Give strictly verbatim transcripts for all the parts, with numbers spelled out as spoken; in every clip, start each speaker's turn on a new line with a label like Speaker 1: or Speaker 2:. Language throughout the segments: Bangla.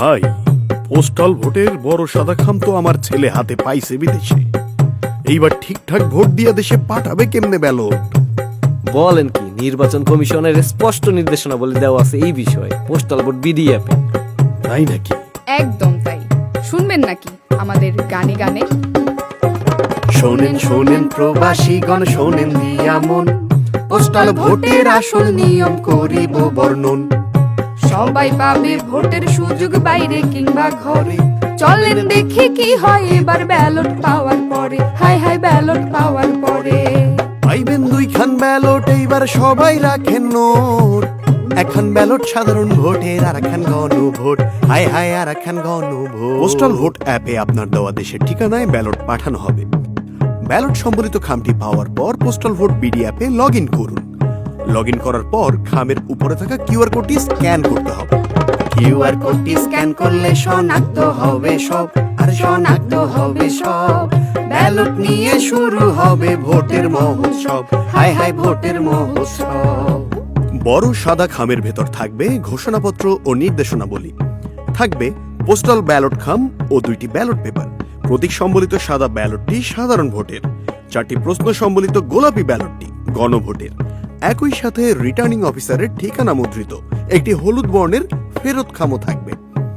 Speaker 1: ভাই, পোস্টাল ভোটের বড় সাদা খাম তো আমার ছেলে হাতে পাইছে বিদেশে। এইবার ঠিকঠাক ভোট দিয়া দেশে পাঠাবে কেমনে ব্যালট?
Speaker 2: বলেন কি, নির্বাচন কমিশনের স্পষ্ট নির্দেশনা বলে দেওয়া আছে এই বিষয়ে পোস্টাল ভোট বিডি অ্যাপে।
Speaker 1: তাই নাকি?
Speaker 3: একদম তাই। শুনবেন নাকি আমাদের গানে গানে?
Speaker 1: শোনেন শোনেন প্রবাসীগণ, শোনেন দিয়া মন,
Speaker 3: পোস্টাল ভোটের আসল নিয়ম করিব বর্ণন। সবাই পাবে ভোটের সুযোগ বাইরে কিংবা ঘরে। চলেন দেখি কি হয় এবার ব্যালট পাওয়ার পরে। হাই হাই ব্যালট পাওয়ার পরে
Speaker 1: পাইবেন দুইখান ব্যালট, এইবার সবাই রাখেন নোট। এখন ব্যালট সাধারণ ভোটের, আর এখন গণভোট। হাই হাই আর এখন গণভোট। পোস্টাল ভোট অ্যাপে আপনার দেওয়া দেশের ঠিকানায় ব্যালট পাঠানো হবে। ব্যালট সম্বলিত খামটি পাওয়ার পর পোস্টাল ভোট বিডি অ্যাপে লগ ইন করুন। লগ ইন করার পর খামের উপরে থাকা কিউআর কোডটি স্ক্যান করতে হবে।
Speaker 3: কিউআর কোডটি স্ক্যান করলে শনাক্ত হবে সব, আর শনাক্ত হবে সব। ব্যালট নিয়ে শুরু হবে ভোটের মহোৎসব। হাই হাই ভোটের মহোৎসব।
Speaker 1: বড় সাদা খামের ভেতর থাকবে ঘোষণাপত্র ও নির্দেশনাবলী, থাকবে পোস্টাল ব্যালট খাম ও দুইটি ব্যালট পেপার। প্রতীক সম্বলিত সাদা ব্যালটটি সাধারণ ভোটের, চারটি প্রশ্ন সম্বলিত গোলাপি ব্যালটটি গণভোটের। একই সাথে রিটার্নিং অফিসারের ঠিকানা মুদ্রিত একটি হলুদ বর্ণের ফেরত খামও থাকবে।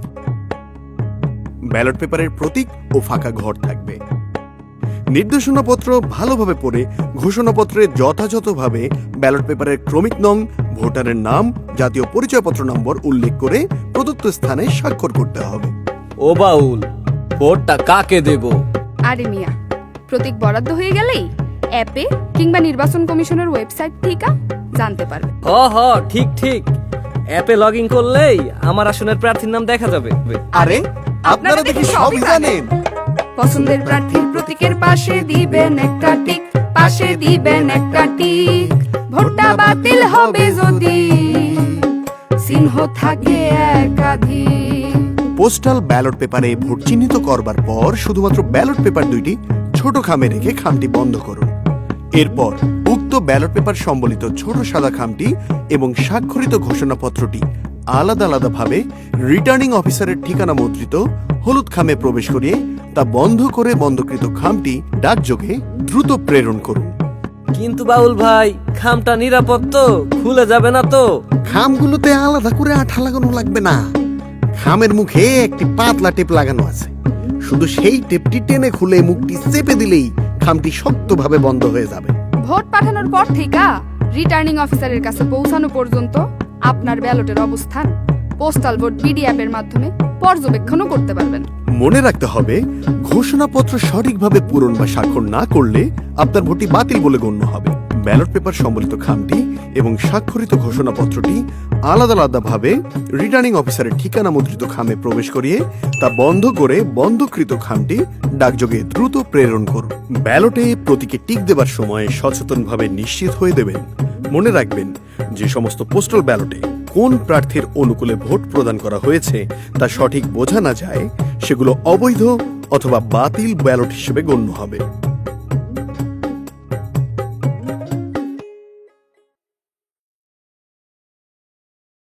Speaker 1: ব্যালট পেপারের প্রতীক ও ফাঁকা ঘর থাকবে। নির্দেশনাপত্র ভালোভাবে পড়ে ঘোষণাপত্রে যথাযথভাবে ব্যালট পেপারের ক্রমিক নং, ভোটারের নাম, জাতীয় পরিচয়পত্র নম্বর উল্লেখ করে প্রদত্ত স্থানে স্বাক্ষর করতে হবে।
Speaker 2: ও বাউল, ভোটটা কাকে দেব?
Speaker 3: আরে মিয়া, প্রতীক বরাদ্দ হয়ে গেলেই অ্যাপে কিংবা নির্বাচন কমিশনের ওয়েবসাইট থেকে জানতে পারবে।
Speaker 2: হ হ ঠিক ঠিক, অ্যাপে লগ ইন করলেই আমার আসনের প্রার্থীর নাম দেখা যাবে।
Speaker 1: আরে আপনারা দেখি সবই জানেন।
Speaker 3: পছন্দের প্রার্থীর প্রতীকের পাশে দিবেন একটা টিক, পাশে দিবেন একটা টিক। ভোটটা বাতিল হবে যদি চিহ্ন থাকে একাধিক।
Speaker 1: পোস্টাল ব্যালট পেপারে ভোট চিহ্নিত করবার পর শুধুমাত্র ব্যালট পেপার দুইটি ছোট খামে রেখে খামটি বন্ধ করুন। এরপর উক্ত ব্যালট পেপার সম্বলিত ছোট সাদা খামটি এবং স্বাক্ষরিত ঘোষণাপত্রটি আলাদা আলাদা ভাবে রিটার্নিং অফিসারের ঠিকানা মুদ্রিত হলুদ খামে প্রবেশ করিয়ে তা বন্ধ করে বন্ধকৃত খামটি ডাকযোগে দ্রুত প্রেরণ করুন।
Speaker 2: কিন্তু বাউল ভাই, খামটা নিরাপদ তো? খুলে যাবে না তো?
Speaker 1: খামগুলোতে আলাদা করে আঠা লাগানো লাগবে না। খামের মুখে একটি পাতলা টেপ লাগানো আছে, শুধু সেই টেপটি টেনে খুলে মুখটি চেপে দিলেই খামটি শক্তভাবে বন্ধ হয়ে যাবে।
Speaker 3: ভোট পাঠানোর পর থেকে রিটার্নিং অফিসারের কাছে পৌঁছানো পর্যন্ত আপনার ব্যালটের অবস্থান পোস্টাল ভোট বিডি অ্যাপের মাধ্যমে পর্যবেক্ষণও করতে পারবেন।
Speaker 1: মনে রাখতে হবে, ঘোষণাপত্র সঠিকভাবে পূরণ বা স্বাক্ষর না করলে আপনার ভোটটি বাতিল বলে গণ্য হবে। ব্যালট পেপার সম্বলিত খামটি এবং স্বাক্ষরিত ঘোষণাপত্রটি আলাদা আলাদা ভাবে রিটার্নিং অফিসারের ঠিকানা মুদ্রিত খামে প্রবেশ করিয়ে তা বন্ধ করে বন্ধকৃত খামটি ডাকযোগে দ্রুত প্রেরণ করুন। ব্যালটে প্রতীকে টিক দেবার সময় সচেতনভাবে নিশ্চিত হয়ে দেবেন। মনে রাখবেন, যে সমস্ত পোস্টাল ব্যালটে কোন প্রার্থীর অনুকূলে ভোট প্রদান করা হয়েছে তা সঠিক বোঝা না যায়, সেগুলো অবৈধ অথবা বাতিল ব্যালট হিসেবে গণ্য হবে।